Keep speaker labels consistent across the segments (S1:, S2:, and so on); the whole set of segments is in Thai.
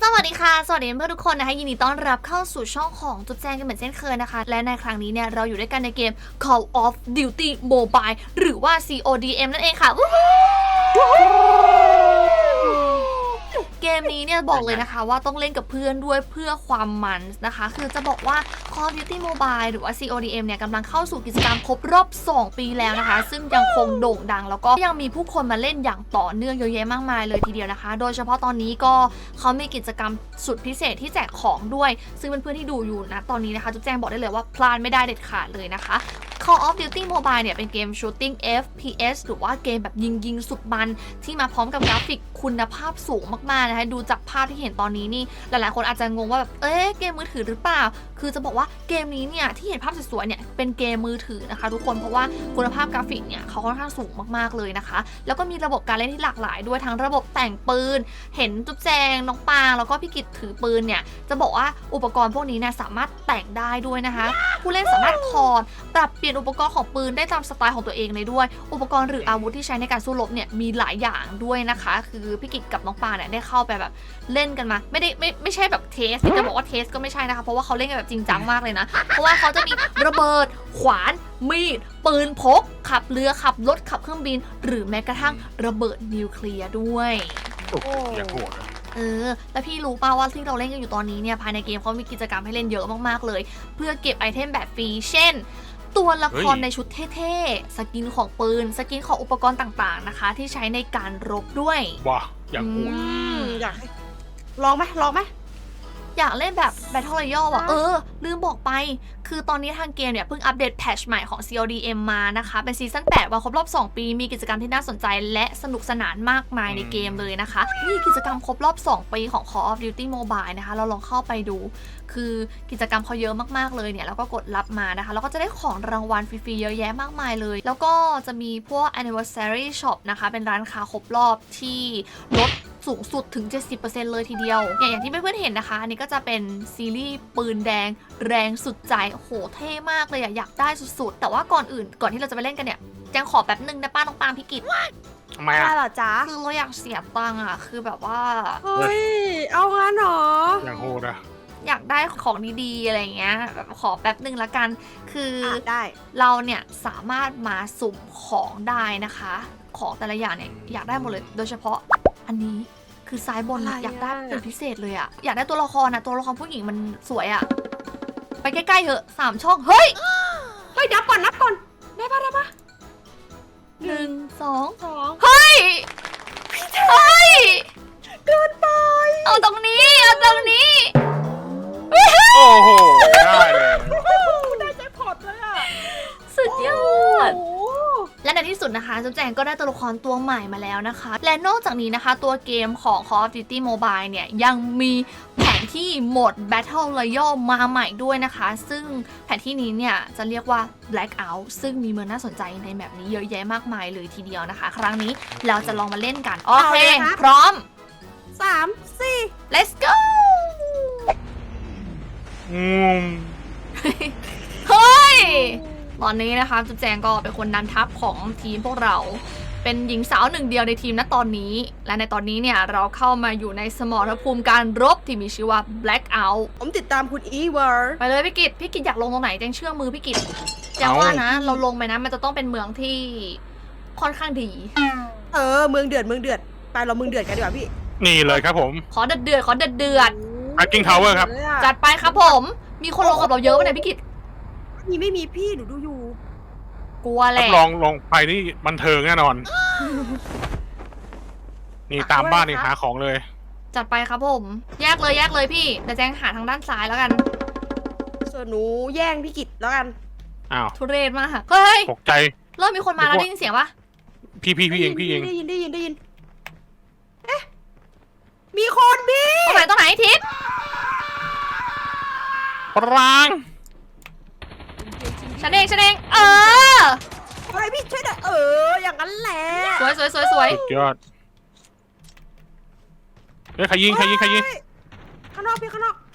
S1: วัสดีค่ะสวัสดีเพื่อนทุกคนนะคะยินดีต้อนรับเข้าสู่ช่องของจุ๊บแจงกันเหมือนเช่นเคยนะคะและในครั้งนี้เนี่ยเราอยู่ด้วยกันในเกม Call of Duty Mobile หรือว่า CODM นั่นเองค่ะเกมนี้เนี่ยบอกเลยนะคะว่าต้องเล่นกับเพื่อนด้วยเพื่อความมันนะคะคือจะบอกว่า Call of Duty Mobile หรือว่า CODM เนี่ยกำลังเข้าสู่กิจกรรมครบรอบ2 ปีแล้วนะคะซึ่งยังคงโด่งดังแล้วก็ยังมีผู้คนมาเล่นอย่างต่อเนื่องเยอะแยะมากมายเลยทีเดียวนะคะโดยเฉพาะตอนนี้ก็เขามีกิจกรรมสุดพิเศษที่แจกของด้วยซึ่งเพื่อนๆที่ดูอยู่นะตอนนี้นะคะจุ๊บแจงบอกได้เลยว่าพลาดไม่ได้เด็ดขาดเลยนะคะ Call of Duty Mobile เนี่ยเป็นเกม Shooting FPS หรือว่าเกมแบบยิงสุดมันที่มาพร้อมกับกราฟิกคุณภาพสูงมากๆนะคะดูจากภาพที่เห็นตอนนี้นี่หลายๆคนอาจจะงงว่าแบบเกมมือถือหรือเปล่าคือจะบอกว่าเกมนี้เนี่ยที่เห็นภาพสวยๆเนี่ยเป็นเกมมือถือนะคะทุกคนเพราะว่าคุณภาพกราฟิกเนี่ยเขาค่อนข้างสูงมากๆเลยนะคะแล้วก็มีระบบการเล่นที่หลากหลายด้วยทั้งระบบแต่งปืนเห็นจุ๊บแจงน้องปางแล้วก็พี่กิตถือปืนเนี่ยจะบอกว่าอุปกรณ์พวกนี้เนี่ยสามารถแต่งได้ด้วยนะคะผู้เล่นสามารถถอดปรับเปลี่ยนอุปกรณ์ของปืนได้ตามสไตล์ของตัวเองเลยด้วยอุปกรณ์หรืออาวุธที่ใช้ในการสู้รบเนี่ยมีหลายอย่างด้วยนะคะคือพี่กิตกับน้องปางเนี่ยได้เข้าไปแบบเล่นกันมาไม่ใช่แบบเทสจะบอกว่าเทสก็ไม่ใช่นะคะเพราะว่าเขาเล่นกันแบบจริงจังมากเลยนะเพราะว่าเขาจะมีระเบิดขวานมีดปืนพกขับเรือขับรถขับเครื่องบินหรือแม้กระทั่งระเบิดนิวเคลียร์ด้วย
S2: อย่างโหด
S1: แล้วพี่รู้ป่าวว่าที่เราเล่นกันอยู่ตอนนี้เนี่ยภายในเกมเขามีกิจกรรมให้เล่นเยอะมากๆเลยเพื่อเก็บไอเทมแบบฟรีเช่นตัวละครในชุดเท่ๆสกินของปืนสกินของอุปกรณ์ต่างๆนะคะที่ใช้ในการรบด้วย
S2: ว้าอย่างโหด
S3: อยากให้ลองไหม
S1: อยากเล่นแบบ Battle Royale อ่ะลืมบอกไปคือตอนนี้ทางเกมเนี่ยเพิ่งอัปเดตแพทช์ใหม่ของ CODM มานะคะเป็นซีซั่น8วันครบรอบ2 ปีมีกิจกรรมที่น่าสนใจและสนุกสนานมากมายในเกมเลยนะคะนี่กิจกรรมครบรอบ2 ปีของ Call of Duty Mobile นะคะเราลองเข้าไปดูคือกิจกรรมเขาเยอะมากๆเลยเนี่ยแล้วก็กดรับมานะคะแล้วก็จะได้ของรางวัลฟรีๆเยอะแยะมากมายเลยแล้วก็จะมีพวก Anniversary Shop นะคะเป็นร้านค้าครบรอบที่ลดสูงสุดถึง 70% เลยทีเดียวอย่างที่เพื่อนๆเห็นนะคะอันนี้ก็จะเป็นซีรีส์ปืนแดงแรงสุดใจโอ้โหเท่มากเลยอยากได้สุดๆแต่ว่าก่อนที่เราจะไปเล่นกันเนี่ยแจงขอแป๊บนึงนะป้าน้องปางพี่กิต
S2: ทำไม
S3: ได้
S2: อ่ะ
S3: เหรอจ๊ะ
S1: คือเราอยากเสียตังค์อ่ะคือแบบว่า
S3: เฮ้ยเอางั้นเหรอ
S2: อย่างโหดอ่ะ
S1: อยากได้ของดีๆอะไรเงี้ยแบบขอแป๊บนึงละกันคือ
S3: ได้
S1: เราเนี่ยสามารถมาสุ่มของได้นะคะของแต่ละอย่างเนี่ยอยากได้หมดเลยโดยเฉพาะอันนี้คือซ้ายบนอยากได้เป็นพิเศษเลยอะอยากได้ตัวละครตัวละครผู้หญิงมันสวยอะไปใกล้ๆเถอะ3 ช่องเฮ้ย
S3: นับก่อนได้ปะ
S1: 1 2
S3: เฮ้ยเกินไป
S1: เอาตรงนี้
S2: โอ้โหได้เลย
S3: ได้แจ็คพอตเลยอ่ะ
S1: สุดยอดและในที่สุดนะคะจุ๊บแจงก็ได้ตัวละครตัวใหม่มาแล้วนะคะและนอกจากนี้นะคะตัวเกมของ Call of Duty Mobile เนี่ยยังมีแผนที่โหมด Battle Royale มาใหม่ด้วยนะคะซึ่งแผนที่นี้เนี่ยจะเรียกว่า Blackout ซึ่งมีเมืองน่าสนใจในแบบนี้เยอะแยะมากมายเลยทีเดียวนะคะครั้งนี้เราจะลองมาเล่นกันโอเคพร้อม
S3: 3 4
S1: let's go เฮ้ยตอนนี้นะคะจุ๊บแจงก็เป็นคนนำทัพของทีมพวกเราเป็นหญิงสาวหนึ่งเดียวในทีมณตอนนี้และในตอนนี้เนี่ยเราเข้ามาอยู่ในสมรภูมิการรบที่มีชื่อว่า Blackout
S3: ผมติดตามคุณอีเวอร์
S1: ไปเลยพี่กิตอยากลงตรงไหนแจงเชื่อมือพี่กิตแจงว่านะเราลงไปนะมันจะต้องเป็นเมืองที่ค่อนข้างดี
S3: เมืองเดือดไปเราเมืองเดือดกันดีกว่าพี่
S2: นี่เลยครับผม
S1: ขอเดือด
S2: Hacking Tower ครับ
S1: จัดไปครับผมมีคนลงกับเราเยอะไหมเนี่ยพี่กิต
S3: ไม่มีพี่หนูดูอยู่
S1: กลัวแหละ
S2: ลองไปนี่บันเทิงแน่นอนนี่ตามบ้านนี่หาของเลย
S1: จัดไปครับผมแยกเลยพี่แต่แจงหาทางด้านซ้ายแล้วกัน
S3: ส่วนหนูแย่งพี่กิตแล้วกัน
S2: อ้าว
S1: ทุเรศมากเฮ้ย
S2: ตกใจ
S1: เริ่มมีคนมาแล้วได้ยินเสียงปะ
S2: พี่เอง
S3: ได้ยินเอ๊ะมีคนพี่
S1: ตรงไหนทิศ
S2: ปราง
S1: ฉันเอง
S3: อะไรพี่ช่วยหน่อยอย่างนั้นแหละ
S1: สวย
S2: สุดยอดใครยิง
S3: ข้างนอก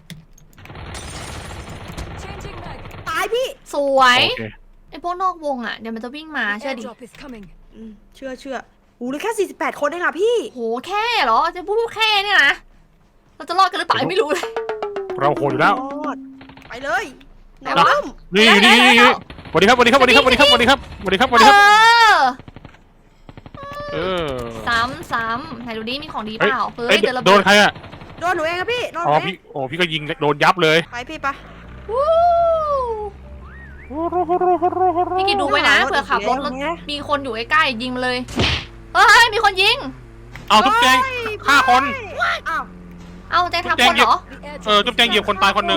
S3: ตายพี่
S1: สวยไอพวกนอกวงอ่ะเดี๋ยวมันจะวิ่งมาเชื่อดิ
S3: เชื่อเหลือแค่48 คนเองอ่ะพี่
S1: โหแค่เหรอจะพูดแค่เนี่ยนะเราจะรอดกันหรือเปล่าไม่รู้เลย
S2: เราโหดอยู่แล้ว
S3: ไปเลยน้
S1: ไหนวะ
S3: อง
S2: นี่นี่นี่สวัสดีครับสวัสดีครับสวัสดีครับสวัสดีครับสวัสดีครับสวัสดีครับสวัสดีครับ เออ
S1: ซ้ำไหนดูดิมีของดีเป
S2: เฮ้ย
S1: ล่าเฮ้
S2: เอ้
S1: ย
S2: ย
S1: เจอระ
S2: โด
S1: เบิ
S2: น
S1: ด
S2: ใครอ่ะ
S3: โดนหนูเองครับพี่โดนห
S2: อ๋อ
S3: นูเอ
S2: พี่
S3: ง
S2: โอ้พี่ก็ยิงโดนยับเลย
S3: ไปพี่ไป
S1: วู้พี่กิดดูไว้นะเผื่อขับรถแล้วมีคนอยู่ใกล้ๆยิงมาเลยเฮ้ยมีคนยิง
S2: เอาจุ๊บแจงฆ่าคน
S3: อ้าว
S1: เอาใจทำคนเหรอ
S2: จุ๊บแจงเหยียบคนตายคนหนึ่ง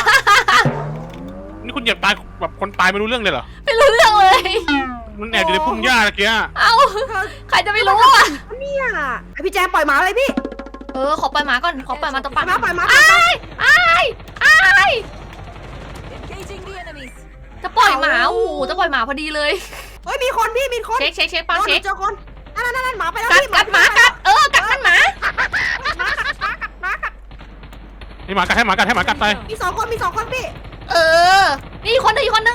S2: นี่คุณเหยียบตายแบบคนตายไม่รู้เรื่องเลยเหรอ
S1: ไม่รู้เรื่องเลย
S2: มันแอบอยู่ในพุ่มหญ้าตะเกีย
S1: เอาใครจะไม่รู้อ่ะ
S3: เนี่ยไอพี่แจงปล่อยหมาเลยพี่
S1: ขอปล่อยหมาก่อนขอปล่อยหมาตัว
S3: ปล่
S1: ปั่
S3: อน ยหมาปล่อยหมา
S1: อ้ายจะปล่อยหมาโอ้โหจะปล่อยหมาพอดีเลย
S3: เฮ้ยมีคนพี่มีคน
S1: เช็คปัง
S3: โดนห
S1: เช็
S3: นู
S1: ค
S3: เจอคนนั่นหมาไปแล้ว
S1: กัด
S3: พี่
S1: กัดหมากัดกัดมันหมา
S3: หมากัด
S2: ให้หมากัดให้หมากัดให้หมากัดไป
S3: มีสองคนพี่
S1: นี่อีกคนนึงส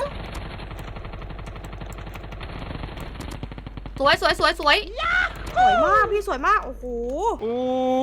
S1: วย
S3: สวยมากพี่สวยมากโอ้โห
S2: อู้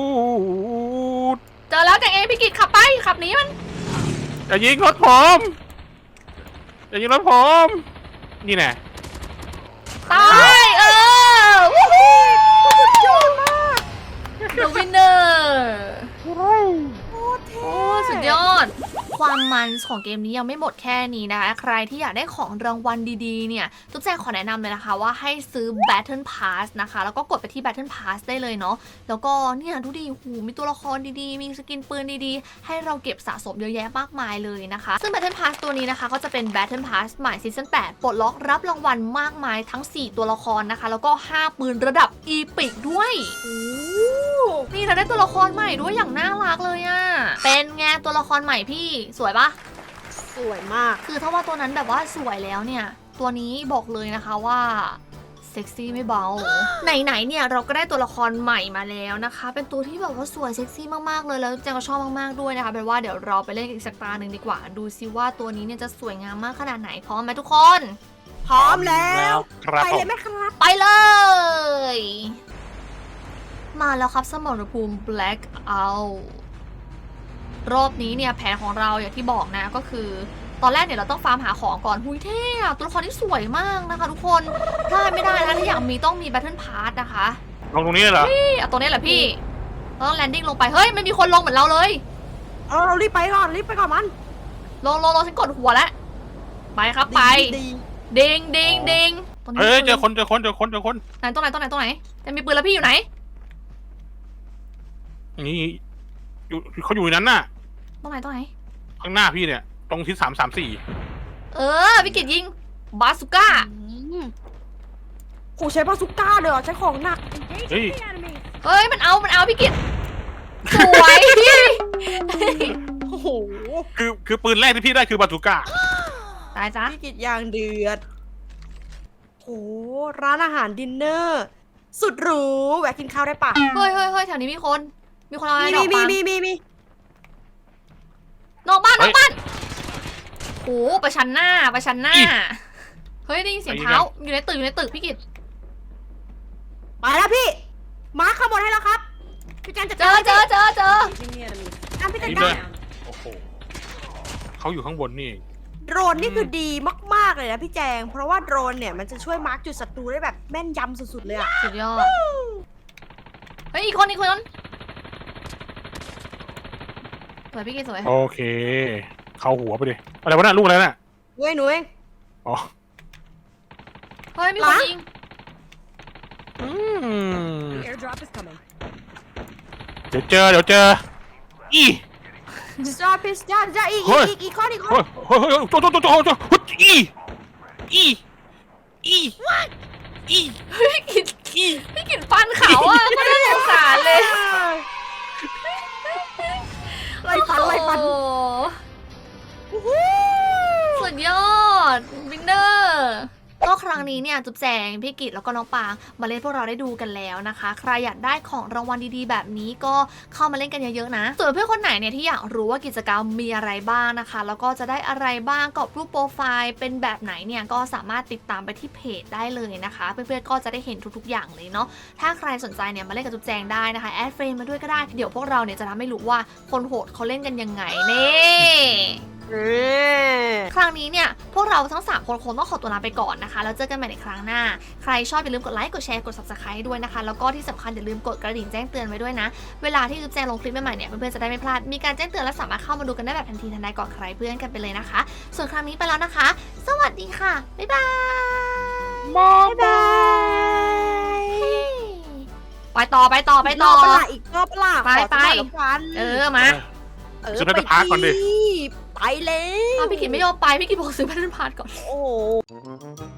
S1: เจอแล้วแจงเองพี่กิจขับไปขับหนีมัน
S2: อย่ายิงรถผมอย่ายิงรถผมนี่แน่
S1: ตายวู้ฮู้
S3: ยอดมาก
S1: The winner
S3: โคตรเท่
S1: โอ้สุดยอด ความมันของเกมนี้ยังไม่หมดแค่นี้นะคะ ใครที่อยากได้ของรางวัลดีๆเนี่ยทุกแจงขอแนะนำเลยนะคะว่าให้ซื้อ Battle Pass นะคะ แล้วก็กดไปที่ Battle Pass ได้เลยเนาะแล้วก็เนี่ยดูดิหูมีตัวละครดีๆ มีสกินปืนดีๆ ให้เราเก็บสะสมเยอะแยะมากมายเลยนะคะ ซึ่ง Battle Pass ตัวนี้นะคะก็จะเป็น Battle Pass ใหม่ซีซั่น8ปลดล็อกรับรางวัลมากมายทั้ง 4 ตัวละครนะคะ แล้วก็ 5 ปืนระดับ Epic ด้วย
S3: โอ้
S1: นี่เราได้ตัวละครใหม่ด้วยอย่างน่ารักเลยอะเป็นไงตัวละครใหม่พี่สวยปะ
S3: สวยมาก
S1: คือถ้าว่าตัวนั้นแบบว่าสวยแล้วเนี่ย ตัวนี้บอกเลยนะคะว่าเซ็กซี่ไม่เบา ไหนๆเนี่ยเราก็ได้ตัวละครใหม่มาแล้วนะคะ เป็นตัวที่แบบว่าสวยเซ็กซี่มากๆเลยแล้วแจงก็ชอบมากๆด้วยนะคะเป็นว่าเดี๋ยวเราไปเล่นอีกสักตาหนึ่งดีกว่า ดูซิว่าตัวนี้เนี่ยจะสวยงามมากขนาดไหนพร้อมไหมทุกคน
S3: พร้อมแล้ว
S2: ครับ
S3: ไป
S2: ผ
S3: เล
S2: ม
S3: ยไหมครับ
S1: ไปเลย มาแล้วครับสมรภูมิ Black Out รอบนี้เนี่ยแผนของเราอย่างที่บอกนะก็คือ ตอนแรกเนี่ยเราต้องฟาร์มหาของก่อนหุยเท่อะตัวละครที่สวยมากนะคะทุกคนพลาดไม่ได้นะถ้าอยากมีต้องมี Battle Pass นะคะ
S2: ลงตรงนี้เลยเหรอ
S1: นี่เอาตัวนี้แหละพี่เราต้องแลนดิ้งลงไปเฮ้ยมันมีคนลงเหมือนเราเลย
S3: เรารีบไปก่อนมัน
S1: ลงฉันกดหัวแล้วไปครับไป
S3: ดี
S1: ดิงตรงนี้
S2: เฮ้ย
S1: มี
S2: เจ
S1: ปื
S2: อคนเจอคนเจอคนเจอคน
S1: ไหนตรงไหนจะมีปืนแล้วพี่อยู่ไหน
S2: นี่อยู่เขาอยู่ในนั้นน่ะ
S1: ตรงไหน
S2: ข้างหน้าพี่เนี่ย ตรงที่334
S1: พี่กิตยิงบาสุก้า
S3: โหใช้บาซูก้าเลยเหรอใช้ของหนัก
S2: เฮ้ย
S1: เฮ้ยมันเอาพี่กิตสวย
S3: โอ้โห
S2: คือปืนแรกที่พี่ได้คือบาตูก้า
S1: ตายจ้ะ
S3: พี่กิจยางเดือดโหร้านอาหารดินเนอร์ สุดหรูแวะกินข้าวได้ปะ
S1: เฮ้ยแถวนี้มีคนเอาอะไรดอก
S3: มี
S1: ปาล์ม
S3: มี
S1: นอกบ้านโอ้ประชันหน้าเฮ้ยได้ยินเสียงเท้าอยู่ในตึกพี่กิต
S3: ไปแล้วพี่มาร์คข้างบนให้แล้วครับพี่จันจัด
S1: เจ
S3: การ
S1: อ
S3: พี่จัด
S2: นี่
S3: กา
S2: เล
S3: ร
S2: ยโอ้โหเขาอยู่ข้างบนนี่เอง
S3: โดรนนี่คือดีมากๆเลยนะพี่แจง เพราะว่าโดรนเนี่ยมันจะช่วยมาร์คจุดศัตรูได้แบบแม่นยำสุดๆเลยอะ
S1: สุดยอดเฮ้ยอีกคนสวยพี่กิตสวย
S2: โอเค เข้าหัวไปดิอะไรวะน่ะลูกอะไรน่ะ
S3: เว้ยหนูเอง
S2: อ๋อ
S1: เฮ้ยมีคนยิง
S2: เดี๋ยวเจออี
S3: จอพิสจ้าอีกข้อ
S2: เฮ้ยโจอี
S1: พี่กิตฟันเขาอ่ะก็น่าสงสารเลย
S3: ไล่ฟัน
S1: โอ้สุดยอดวินเนอร์ก็ครั้งรั้งนี้เนี่ยจุ๊บแจงพี่กิตแล้วก็น้องปางมาเล่นพวกเราได้ดูกันแล้วนะคะใครอยากได้ของรางวัลดีๆแบบนี้ก็เข้ามาเล่นกันเยอะๆนะส่วนเพื่อนคนไหนเนี่ยที่อยากรู้ว่ากิจกรรมมีอะไรบ้างนะคะแล้วก็จะได้อะไรบ้างกรอบรูปโปรไฟล์เป็นแบบไหนเนี่ยก็สามารถติดตามไปที่เพจได้เลยนะคะเพื่อนๆก็จะได้เห็นทุกๆอย่างเลยเนาะถ้าใครสนใจเนี่ยมาเล่นกับจุ๊บแจงได้นะคะแอดเฟรนด์มาด้วยก็ได้เดี๋ยวพวกเราเนี่ยจะทำให้รู้ว่าคนโหดเขาเล่นกันยังไงนี่ครั้งนี้เนี่ยพวกเราทั้ง3คนคงต้องขอตัวลาไปก่อนนะคะแล้วเจอกันใหม่ในครั้งหน้าใครชอบอย่าลืมกดไลค์กดแชร์กด subscribe ด้วยนะคะแล้วก็ที่สำคัญอย่าลืมกดกระดิ่งแจ้งเตือนไว้ด้วยนะเวลาที่จุ๊บแจงลงคลิปใหม่ๆเนี่ยเพื่อนๆจะได้ไม่พลาดมีการแจ้งเตือนและสามารถเข้ามาดูกันได้แบบทันทีทันใดก่อนใครเพื่อนกันไปเลยนะคะส่วนครั้งนี้ไปแล้วนะคะสวัสดีค่ะบ๊ายบาย
S2: บ๊ายบาย
S1: ไปต่อ
S3: รอบปะล่ะอีกรอบปะล่ะ
S1: ไป
S3: ขอสักหน่อยแล้วกัน
S1: มา
S2: ซื้อไปพักก่อนดิ
S3: ไปเลย
S1: พี่กิตไม่ยอมไปพี่กิตบอกซื้อแพทเทิร์นพาร์ทก่อน
S3: โอ้โห